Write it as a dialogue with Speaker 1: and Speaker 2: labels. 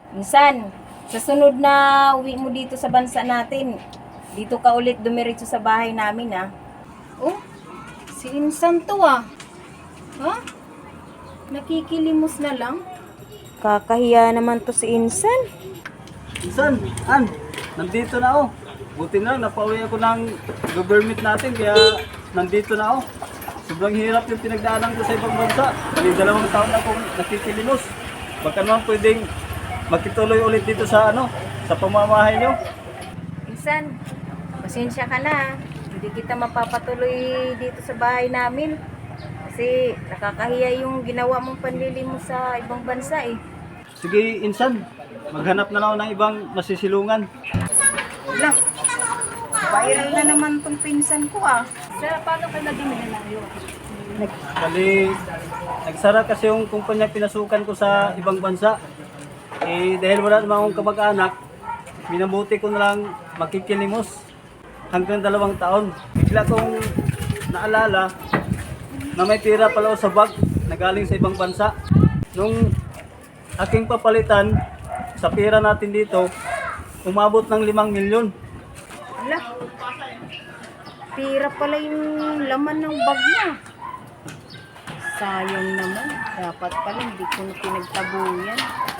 Speaker 1: Minsan, sa sunod na uwi mo dito sa bansa natin, dito ka ulit dumiretso sa bahay namin, ah. Oh, si Insan to, ah. Ha? Nakikilimos na lang? Kakahiya naman to si Insan.
Speaker 2: Insan, nandito na ako. Buti na lang, napauwi ako ng government natin, kaya nandito na ako. Sobrang hirap yung pinagdaanan ko sa ibang bansa. Bali, 2 taon na akong nakikilimos. Baka naman pwedeng makituloy ulit dito sa sa pamamahay nyo.
Speaker 1: Insan, pasensya ka na, ah. Hindi kita mapapatuloy dito sa bahay namin. Kasi nakakahiya yung ginawa mong panlilimos sa ibang bansa, eh.
Speaker 2: Sige, Insan, maghanap na lang ako ng ibang masisilungan.
Speaker 1: Wala. Viral na naman tong pinsan ko, ah.
Speaker 3: Sir, paano kayo naging milyonaryo?
Speaker 2: Bali, nagsara kasi yung kumpanya pinasukan ko sa ibang bansa. Eh, dahil wala naman akong kamag-anak, minabuti ko na lang makikilimos hanggang 2 taon. Bigla kong naalala na may tira pala ako sa bag na galing sa ibang bansa. Nung aking papalitan sa pera natin dito, umabot ng 5 milyon.
Speaker 1: Wala. Pira pala yung laman ng bag niya. Sayang naman. Dapat pala hindi ko na pinagtabuyan.